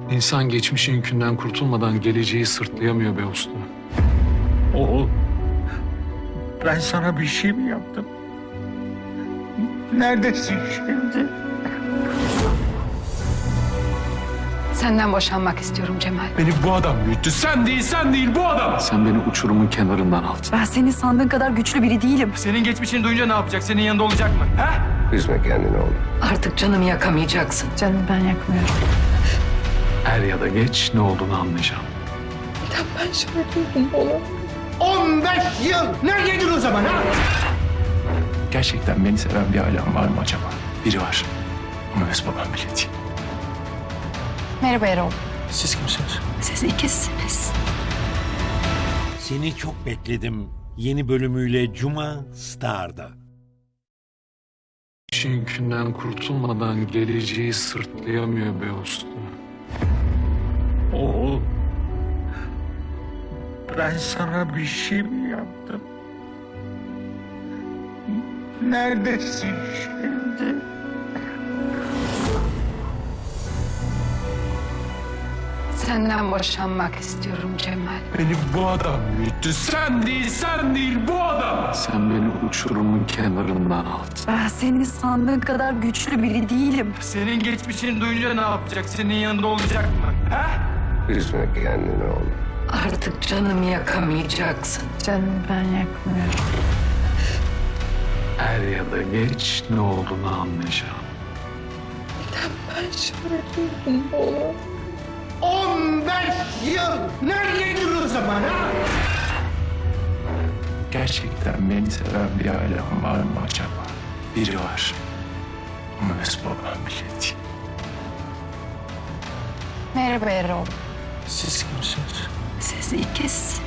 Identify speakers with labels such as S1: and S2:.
S1: İnsan geçmişin yükünden kurtulmadan geleceği sırtlayamıyor be usta.
S2: Oğul, ben sana bir şey mi yaptım? Neredesin şimdi?
S3: Senden boşanmak istiyorum Cemal.
S1: Beni bu adam büyüttü. Sen değil bu adam. Sen beni uçurumun kenarından aldın.
S3: Ben senin sandığın kadar güçlü biri değilim.
S4: Senin geçmişini duyunca ne yapacak? Senin yanında olacak mı? He?
S5: Üzme kendini oğlum.
S3: Artık canımı yakamayacaksın. Canımı ben yakmıyorum.
S1: Er ya da geç ne olduğunu anlayacağım.
S2: 15 yıl! Neredeydin o zaman ha?
S1: Gerçekten beni seven bir ailem var mı acaba? Biri var. Ama öz babam bile değil.
S3: Merhaba Erol.
S1: Siz kimsiniz?
S3: Siz ikizsiniz.
S6: Seni çok bekledim. Yeni bölümüyle Cuma Star'da.
S1: İşin yükünden kurtulmadan geleceği sırtlayamıyor be usta.
S2: Oğul, ben sana bir şey mi yaptım? Neredesin şimdi?
S3: Senden boşanmak istiyorum Cemal.
S1: Beni bu adam büyüttü. Sen değil bu adam. Sen beni uçurumun kenarından aldın.
S3: Ben senin sandığın kadar güçlü biri değilim.
S4: Senin geçmişini duyunca ne yapacak? Senin yanında olacak mı? He?
S5: Üzme kendini oğlum.
S3: Artık canımı yakamayacaksın. Canımı ben yakmıyorum.
S1: Er ya da geç ne olduğunu anlayacağım.
S2: 15 yıl! Neredeydin o zaman ha?
S1: Gerçekten beni seven bir ailem var mı acaba? Biri var. Ama öz babam bile değil.
S3: Merhaba Erol.
S1: Siz kimsiniz?
S3: Siz ikiz.